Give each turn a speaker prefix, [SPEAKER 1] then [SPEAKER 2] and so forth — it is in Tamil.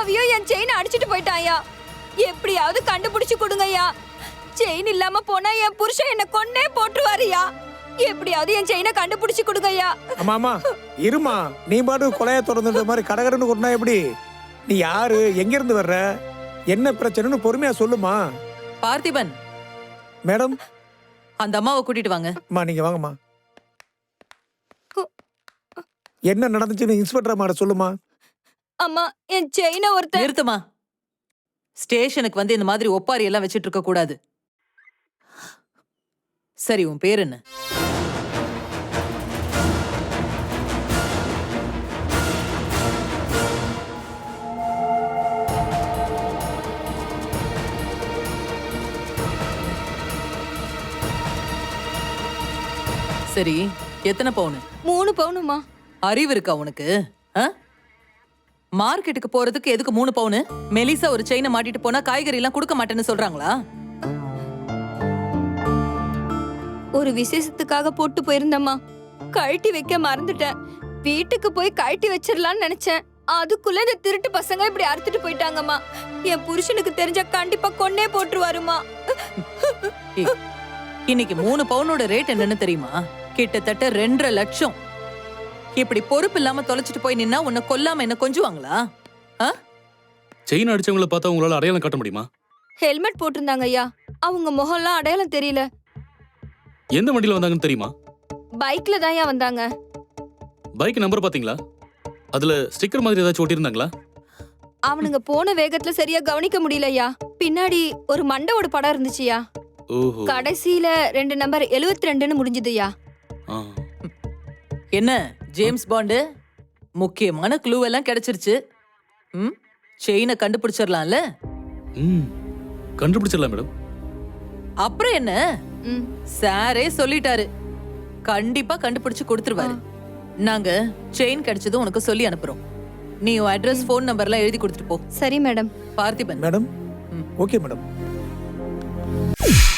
[SPEAKER 1] அப்பாவியும் என் செயினை அடிச்சிட்டு போயிட்டாயா. எப்படியாவது கண்டுபிடிச்சு கொடுங்கய்யா. செயின் இல்லாம போனா என் புருஷன் என்ன கொன்னே போட்டுருவாருயா. எப்படியாவது என் செயினை கண்டுபிடிச்சு கொடுங்கய்யா.
[SPEAKER 2] ஆமா இருமா, நீ பாட்டு கொலைய தொடர்ந்துட்ட மாதிரி கடகடன்னு கொண்டா எப்படி? நீ யாரு, எங்க இருந்து வர்ற, என்ன பிரச்சனைன்னு பொறுமையா சொல்லுமா.
[SPEAKER 3] பார்த்திபன்
[SPEAKER 2] மேடம்,
[SPEAKER 3] அந்த அம்மாவை கூட்டிட்டு வாங்க.
[SPEAKER 2] அம்மா நீங்க வாங்கம்மா. என்ன நடந்துச்சுன்னு இன்ஸ்பெக்டர் அம்மாட்ட சொல்லுமா.
[SPEAKER 1] அம்மா, என் செயினை ஒருத்தர்.
[SPEAKER 3] நிறுத்துமா. ஸ்டேஷனுக்கு வந்து இந்த மாதிரி ஒப்பாரி எல்லாம் வச்சிட்டு இருக்க கூடாது. சரி, உன் பேர் என்ன? சரி, எத்தனை பவுனு?
[SPEAKER 1] 3 பவுனுமா.
[SPEAKER 3] அறிவு இருக்கா உனக்கு? மார்க்கெட்டுக்கு போறதுக்கு எதுக்கு 3 பவுனு? மெலிசா ஒரு செயினை மாட்டிட்டு போனா காய்கறி எல்லாம் கொடுக்க மாட்டேன்னு சொல்றாங்களா?
[SPEAKER 1] ஒரு விசேஷத்துக்காக போட்டு போயிருந்தம்மா. கழட்டி வைக்க மறந்துட்டேன். வீட்டுக்கு போய் கழட்டி வச்சிடலான்னு நினைச்சேன். அதுக்குள்ள இந்த திருட்டு பசங்க இப்படி அறுத்துட்டு போயிட்டாங்கம்மா. என் புருஷனுக்கு தெரிஞ்சா கண்டிப்பா கொன்னே போட்டுருவாருமா.
[SPEAKER 3] இன்னைக்கு 3 பவுனோட ரேட் என்னன்னு தெரியுமா? கிட்டத்தட்ட 2.5 லட்சம். இப்படி பொறுப்பு இல்லாம தொலைச்சிட்டு போய் நின்னா உன்னை கொல்லாம என்ன கொஞ்சுவாங்களா?
[SPEAKER 4] செயின் அடிச்சவங்கள பார்த்தா உங்களால அடையாளம் காட்ட முடியுமா?
[SPEAKER 1] ஹெல்மெட் போட்டிருந்தாங்க ஐயா. அவங்க முகம்லாம் அடையாளம் தெரியல.
[SPEAKER 4] எந்த வண்டியில வந்தாங்கன்னு தெரியுமா?
[SPEAKER 1] பைக்ல தான் வந்தாங்க.
[SPEAKER 4] பைக் நம்பர் பாத்தீங்களா? அதுல ஸ்டிக்கர் மாதிரி ஏதாச்சும் ஒட்டியிருந்தாங்களா?
[SPEAKER 1] அவனுங்க போன வேகத்துல சரியா கவனிக்க முடியலையா. பின்னாடி ஒரு மண்டவோட படம் இருந்துச்சுயா.
[SPEAKER 4] ஓஹோ.
[SPEAKER 1] கடைசியில 2 நம்பர் 72ன்னு முடிஞ்சதுயா.
[SPEAKER 3] என்ன ஜேம்ஸ் பாண்டு, முக்கியமான க்ளூ எல்லாம் கிடைச்சிருச்சு. செயினை கண்டுபிடிச்சிடலாம்ல?
[SPEAKER 4] கண்டுபிடிச்சிடலாம் மேடம்.
[SPEAKER 3] அப்புறம் என்ன, சாரே சொல்லிட்டாரு, கண்டிப்பா கண்டுபிடிச்சு கொடுத்துருவாரு. நாங்க செயின் கிடைச்சதும் உனக்கு சொல்லி அனுப்புறோம். நீ உன் அட்ரஸ், ஃபோன் நம்பர்லாம் எழுதி கொடுத்துட்டு போ.
[SPEAKER 1] சரி madam.
[SPEAKER 3] Parthiban.
[SPEAKER 2] Madam, okay madam.